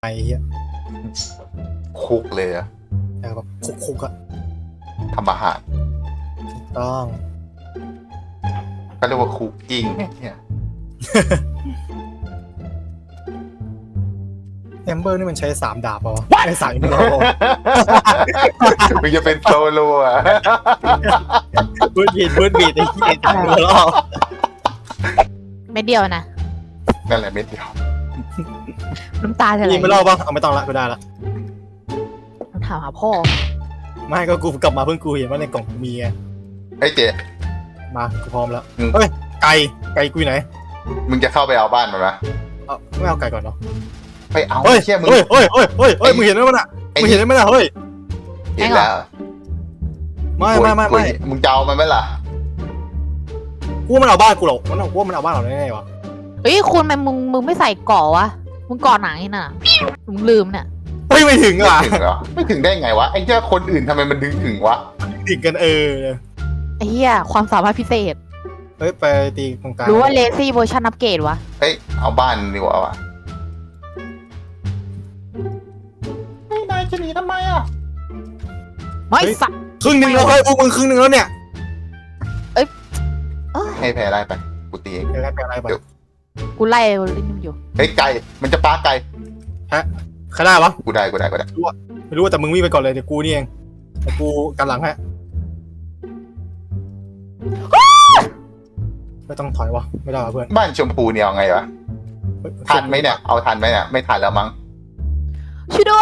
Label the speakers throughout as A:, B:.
A: เฮีย
B: คุกเลยอะ
A: แบบคุกอะ
B: ทำอาหาร
A: ถูกต้อง
B: ก็เรียกว่าคุกกิ้งเนี่ย
A: แอมเบอร์นี่มันใช้3 ดาบเปล่าวะไม่3อีกแล้ว
B: มึงจะเป็นโซโล่อะ
A: บูดบีดไอ้เหี้ยจังเลยล่อ
C: ไม่เดียวนะ
B: นั่นแหละเม็ดเดียว
C: น้ำตาจะไหล
A: ยิงไม่รอดปะเอาไม่ต้องละกูได้ละ
C: ต้องถามหาพ่อ
A: ไม่ก็กูกลับมาเพิ่งกูเห็นว่าในกล่องมีไง
B: ไอ้เจ
A: มากูพร้อมแล้ว
B: อืม
A: เฮ้ยไก่กูอยู่ไหน
B: มึงจะเข้าไปเอาบ้านมันไหม
A: เอาไม่เอาไก่ก่อนเนาะ
B: ไปเอา
A: เฮ้ย
B: เชี่ยมึง
A: เฮ้ยมึงเห็นไหมมันอะมึงเห็นไหมล่ะเฮ้ย
B: เห็นแล้ว
A: ไม่
B: มึงจะเอามันไหมล่ะ
A: กูว่ามันเอาบ้านกูหรอกกูว่ามันเอาบ้านเราแน่ๆวะ
C: เฮ้ยคุณมึงไม่ใส่เกาะวะมึงเกาะหนังนี่น่ะมึงลืมเนี่ย
A: เฮ้ยไม่ถึง
B: ไม่
A: อ่ะ
B: ถึงเหรอไม่ถึงได้ไงวะไอ้เจ้าคนอื่นทำไมมันดึงถึงวะ
A: ถึงกัน
C: ไอ้เหี้ยความสามารถพิเศษ
A: เฮ้ยไปตีตรงกลาง
C: หรือว่าเลซี่เวอร์ชันอัปเกรดวะ
B: เฮ้ยเอาบ้านดีกว่าวะไม่นายจะหนีทำไมอ่ะ
C: ไม่สัตว์
A: ครึ่งหนึ่งแล้วเฮ้ยพวกมึงครึ่งหนึ่งแล้วเนี่ย
B: ให้แพ้ได้ไปกูตีเอง
A: อะไรไป
C: กูไล่ลิ้นมันอยู่
B: เฮ้ยไก่มันจะปาไก่
A: ใครได้วะ
B: กูได้
A: ไม่รู้แต่มึงวิ่งไปก่อนเลยเดี๋ยวกูนี่เองแต่กูกันหลังฮะไม่ต้องถอยวะไม่ได้วะเพื่อน
B: บ้านชมพูเนี่ยเอาไงวะทันไหมเนี่ยเอาทันไหมเนี่ยไม่ทันแล้วมั้ง
C: ช่วยด้วย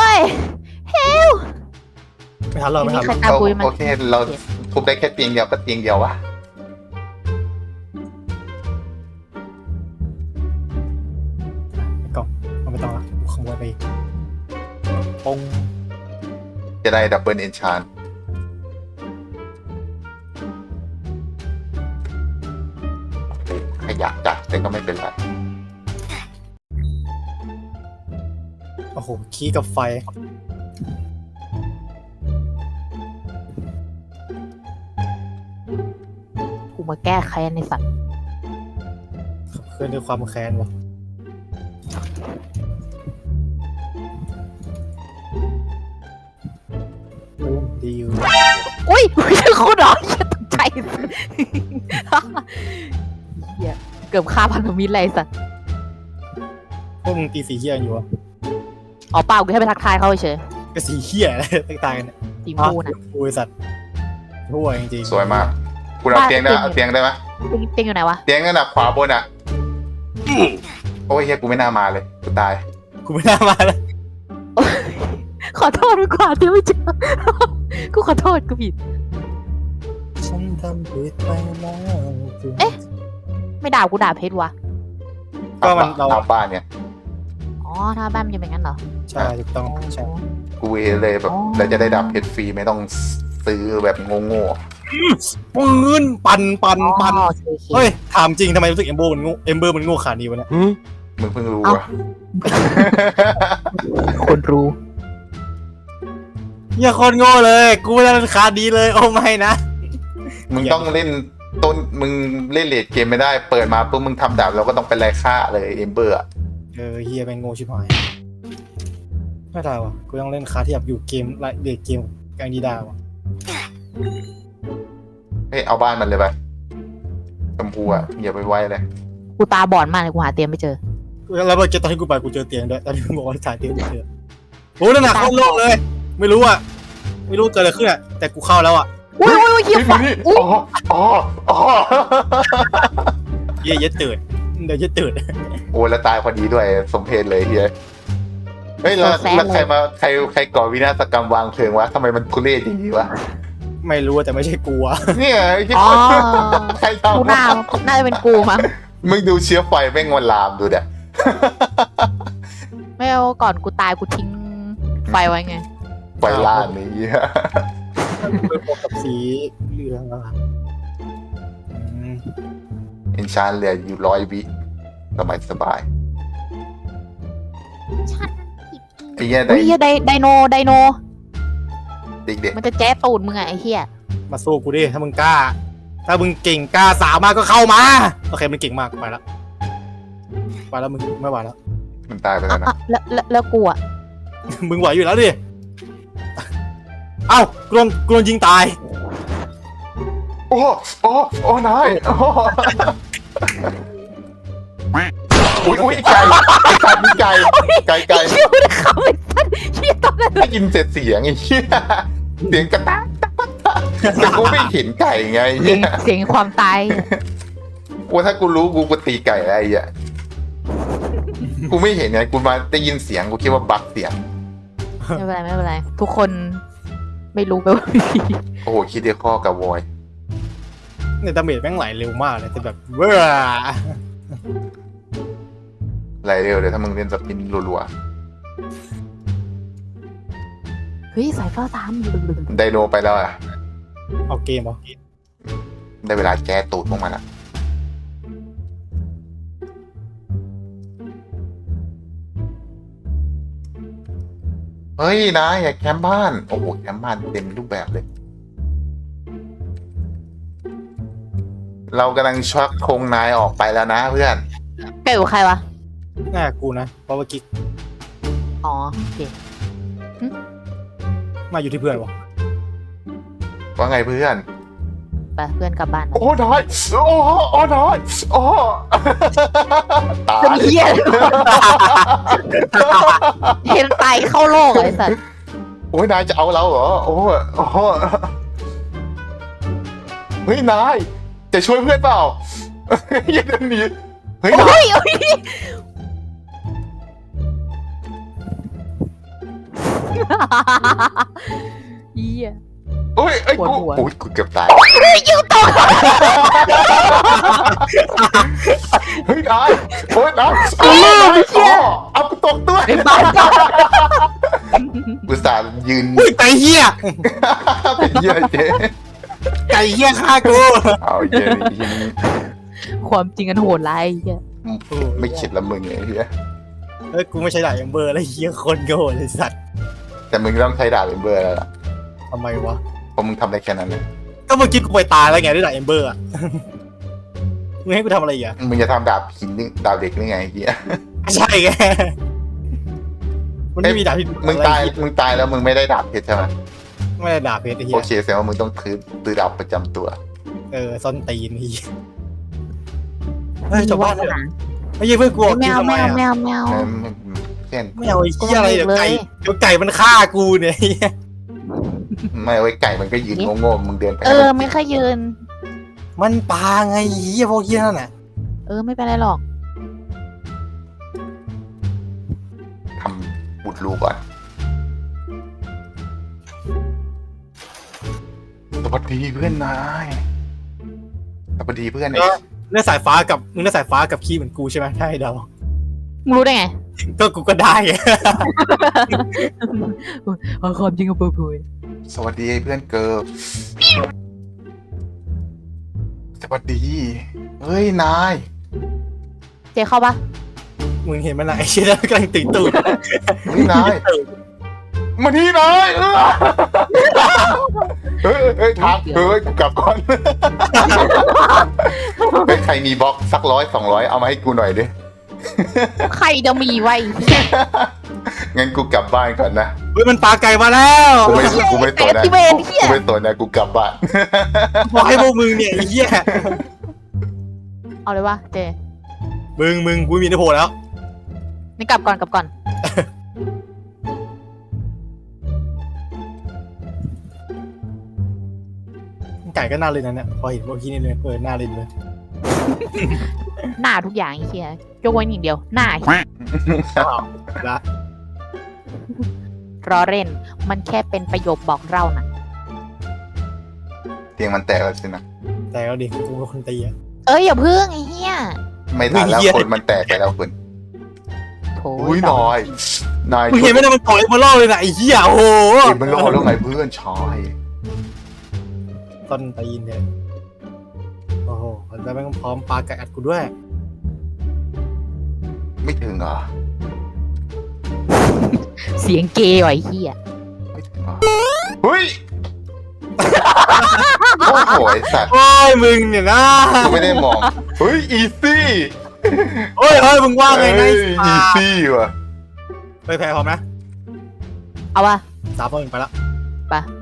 A: ไม่ทันหรอกไม่ทัน
C: ใครตามกูมา
B: โอเคเราทุบได้แค่เตียงเดียวก็เตียงเดียววะ
A: ก่อนไม่ต้องละกูขโมยไปปง
B: จะได้ดับเบิลเอนชานขยะจัดแต่ก็ไม่เป็นไร
A: โอ้โหขี้กับไฟ
C: กูมาแก้แค้นในสัตว์
A: เคลื่อนด้วยความแค้นวะดีอยู่
C: อุ้ยโคตรร้อนเหี้ยตกใจเหี้ยเกือบฆ่าพันธมิตรเลยสัตว์
A: พวกมึงตีสีเหี้ยอยู่วะ
C: อ๋อเปล่ากูแค่ไปทักทายเขาเฉย
A: ก็สีเหี้ยอะไรต่างๆกันเนี่ย
C: สีมูน่ะ
A: กูไอสัตว์ทั่วจริงๆ
B: สวยมากคุณเอาเตียงได้เอาเตียงได้ไหม
C: เตียงอยู่ไหนวะ
B: เตียงนั่นน่ะขวาบนอ่ะโอ้ยเฮียกูไม่น่ามาเลยกูตาย
A: กูไม่น่ามาเลย
C: ขอโทษดีกว่าที่ไม่เจอกูขอโทษกูผิด
A: ฉันทำผิดไปแล้ว
C: เอ๊ะ ไม่ด่ากูด่าเพชรวะ
A: ก็มันเรา
B: เอาบ้านเนี่ย
C: อ๋อถ้าบ้านมันจะเป็นงั้นเหรอ
A: ใช่ถูกต้องใช่
B: กูเอเลยแบบแล้วจะได้ดับเพชรฟรีไม่ต้องซื้อแบบโง่
A: ปืนปั่น
C: อ๋อโอเค
A: เฮ้ยถามจริงทำไมรู้สึกเอมเบอร์มันโง่ขนาดนี้วะเนี่ย
B: ๆมึงเพิ่งรู้อะ
C: คนรู้
A: อย่าคนโง่เลยกูไม่ได้ราคาดีเลยโอ้ไม่นะ
B: มึงต้องเล่นต้นมึงเล่นเลดเกมไม่ได้เปิดมาปุ๊บมึงทำดาบเราก็ต้องเป็นไรฆ่าเลยเอมเบอร์อะ
A: เฮียเป็นโง่ชิบหายไม่ได้วะกูต้องเล่นคาที่แบบอยู่เกมเด็กเกมกลางดีดาวะ
B: เฮ้ยเอาบ้านมันเลยไปชมพูอะอย่าไปไว้เลย
C: กูตาบอดมากเลยกูหาเตียงไม่เจอ
A: แล้วเมื่อกี้ตอนที่กูไปกูเจอเตียงด้วยตอนที่มึงบอกว่าถ่ายเตียงไม่เจอโอ้นั่นน่ะเข้าโลกเลย ไม่รู้อะไม่รู้เกิดอะไรขึ้นอะแต่กูเข้าแล้วอะ
C: อุ้ยเหี้ยฝัง
B: อ๋ออ๋ออ๋อ
A: เหี้ยเย็ดตื่นเดี๋ยวเย็ดตื่น
B: โอ้แล้วตายพอดีด้วยสมเพชเลยเฮียเฮ้ยแล้วใครก่อวินาศกรรมวางเพลิงวะทำไมมันทุเรศอย่างนี้วะ
A: ไม่รู้แต่ไม่ใช่กูอะ
B: เนี่ยที่
C: อ๋อ
B: ใคร
C: กู
B: ทำ
C: น่าจะเป็นกูมั้ง
B: มึงดูเชื้อไฟแม่งมันลามดูเด็
C: ไม่เอาก่อนกูตายกูทิ้งไฟไว้ไง
B: ไฟล่านนี้
A: ไปพบกับสีเหลืองอะอืม
B: เอนชานเหลืออยู่100 วิสบายไอ้เหี้ย
C: อุ้ยเหี้ยไดโนเด็ก
B: ๆ
C: มันจะแจ๊ตูดมึงอะไอ้เหี้ย
A: มาสู้กูดิถ้ามึงกล้า ถ้ามึงเก่งกล้าสามารถก็เข้ามาโอเคมันเก่งมากไปแล้วมึงไม่ไหวแล้ว
B: มันตายไปแล้วนะ
C: แล้วกูอะ
A: มึงไหวอยู่แล้วดิเอ้ากลนยิงตาย
B: โอ้โอ้นายโอ้อุ้ยไก่มีไก่
C: เชี่ยวเลยเขาไอ้สัสเชี่ยตอนนั้น
B: ได้ยินเสียงไอ้เหี้ยเสียงกระตักแต่กูไม่เห็นไก่ไง
C: เสียงความตาย
B: ว่าถ้ากูรู้กูตีไก่อะไรอ่ะกูไม่เห็นไงกูมาได้ยินเสียงกูคิดว่าบั๊กเสียง
C: ไม่เป็นไรทุกคนไม่รู้ไปว่าพี่
B: โอ้โหคิดเดียวข้อกับวอย
A: เนี่ยดาเมจแม่งไหลเร็วมากเลยแต่แบบเว้อ
B: ไรเร็วเดี๋ยวถ้ามึงเล่นสปินรัว
C: เฮ้ยสายฟ้าตาม
B: ๆไดโนไปแล้วอ่ะ
A: เอาเกมเหรอ
B: ได้เวลาแก้ตูดพวกมันละเฮ้ยนะอย่าแคมป์บ้านโอ้โหแคมป์บ้านเต็มรูปแบบเลย เรากำลังชักธงนายออกไปแล้วนะเพื่อน
C: แกอยู่ใครวะ
A: น่ากูนะเพราะว่ากิ๊ก
C: อ๋อโอเค
A: มาอยู่ที่เพื่อนวะ
B: ว่าไงเพื่อน
C: ไปเพื่อนกลับบ้าน
B: โอ้นายโอ้นายโอ้ตา
C: เป็น
B: ย
C: เหี้ยเห็นตายเข้าโลกไอ้สัส
B: โอ้ยนายจะเอาเราเหรอโอ้เฮ้ยนายจะช่วยเพื่อนเปล่าอย่าเดินหนีเฮ้ยนาย
C: โอ้ยเหี้ย
B: โอ้ยไอ้
C: ปวด
B: กู
C: หัว
B: โอ้ยกูเกือบตาย
C: ยิวตก
B: เฮ้ยนายโอ้ยนายเอากูตกด้วย
C: ไอ้บ้า
B: อุตส่าห์ยืน
A: อุ้ยไก่เหี้ย
B: เป็นเหี้ยเจ๊
A: ไก่เหี้ยฆ่ากู
B: เอาเหี้ยนี่
C: ความจริงกันโหดร้ายไอ้เหี้ย
B: ไม่คิดละมึงไอ้เหี้ย
A: เฮ้ยกูไม่ใช่ด่าเอมเบอร์แล้วเหี้ยคนโง่เลยสัตว์
B: แต่มึงต้องใช้ดาบเป็นเบอร์แล้วล่ะ
A: ทำไมวะ
B: เพราะมึงทำได้แค่นั้นเลย
A: ก็เมื่อกี้กูไปตายแล้วไงด้วยด่าเอมเบอร์อ่ะมึงให้กูทำอะไรอีกอ่ะ
B: มึงจะทำดาบหินนี่ดาบเหล็กนี่ไงไอ้เหี้ย
A: ใช่ไงมันไม่มีดาบที่
B: มึงตายแล้วมึงไม่ได้ดาบเพชรใช่ไหม
A: ไม่ได้ดาบเพชรไอ้เหี้
B: โอย เคแสดงว่ามึงต้องซื้อดาบประจำตัว
A: ซ่อนตีนนี่เฮ้ยชาวบ้านเนี่ยไม่ใช่เพื่อนกูออก
C: แม
A: กิน
C: ว
A: ทำ
C: แม
A: ไม
C: ว
A: อ่ะ
C: แมวแมว
B: เช่น
A: ไม่เอาไอ้เหี้ยอะไรเดี๋ยวไก่มันฆ่ากูเนี่ย
B: ไม่เอาไว้ไก่มันก็ยืนโง่ๆมึงเดินไป
C: ไม่ค่อยยืน
A: มันปลาไงเหี้ยพวกเหี้ยนั่นน่ะ
C: ไม่เป็นไรหรอก
B: ทำบุดรูก่อนสวัสดีเพื่อนนายสวัสดีเพื่อน
A: เนื้อสายฟ้ากับมึงเนื้อสายฟ้ากับขี้เหมือนกูใช่ไหมใช่เดา
C: มึงรู้ได้ไง
A: ก็กูก็ได้ไง
C: ความจริงกับเปิดเผย
B: สวัสดีเพื่อนเกิร์ลสวัสดีเฮ้ยนาย
C: เจ๊เข้าปะ
A: มึงเห็นมันไหนไอ้เชี่ยกำลังตีตูด
B: เฮ้ยนายมาที่นายเฮ้ยทางกลับก่อนเฮ้ยใครมีบล็อกสัก100-200เอามาให้กูหน่อยดิ
C: ใครจะมีไว้
B: งั้นกูกลับบ้านก่อนนะ
A: เฮ้ยมันปลาไก่มาแล้ว
B: กูไม่สนนะ
C: ที่เวนเหี้ย
B: กูไม่สนนะกูกลับบ้าน
A: บอกให้พวกมึงเนี่ยไอ้เหี้ย
C: เอาเลยวะเจ
A: มึงกูมีนโพแล้ว
C: นี่กลับก่อน
A: ไก่ก็น่าเล่นนั่นแหละพอเห็นพวกขี้นี่เลยน่าเล่นเลย
C: หน้าทุกอย่างไอ้เหี้ยยกเว้นอย่างเดียว หน้า
A: ละ
C: รอเล่น มันแค่เป็นประโยคบอกเล่านะ
B: เตียงมันแตกแล้วสินะ
A: แต่ก็ดิกูเป็นคนตีอะ
C: อย่าพึ่งไอ้เหี้ย
B: ไม่ทันแล้ว
A: เหี้ย
B: คนมันแตกไปแล้วคุณ
C: โถ
B: อุ้ยน้อยนาย
A: มึงเห็นไหมเนี่ยมันต่อยมาล่อเลยนะไอ้เหี้ยโอ้โห
B: เห็นมันรอแล้วไงเพื่อนชาย
A: ต้นตีนเนี่ยโอ้โหแล้วแม่งพร้อมปลาไก่อัดกูด้วย
B: ไม่ถึงเหรอ
C: เสียงเกย์ว่ะไอ้เหี้ย
B: ไม่ถึงเหรอเฮ้ยโอ้โหไอ้สัตว์
A: โอ้ยมึงเนี่ยนะ
B: กูไม่ได้มองเฮ้ยอีซี่
A: เฮ้ยมึงว่าไงนะ
B: อีซี่ว่ะ
A: ไปแพ้พร้อมนะ
C: เอาวะ
A: 3 2 1ไปละ
C: ไป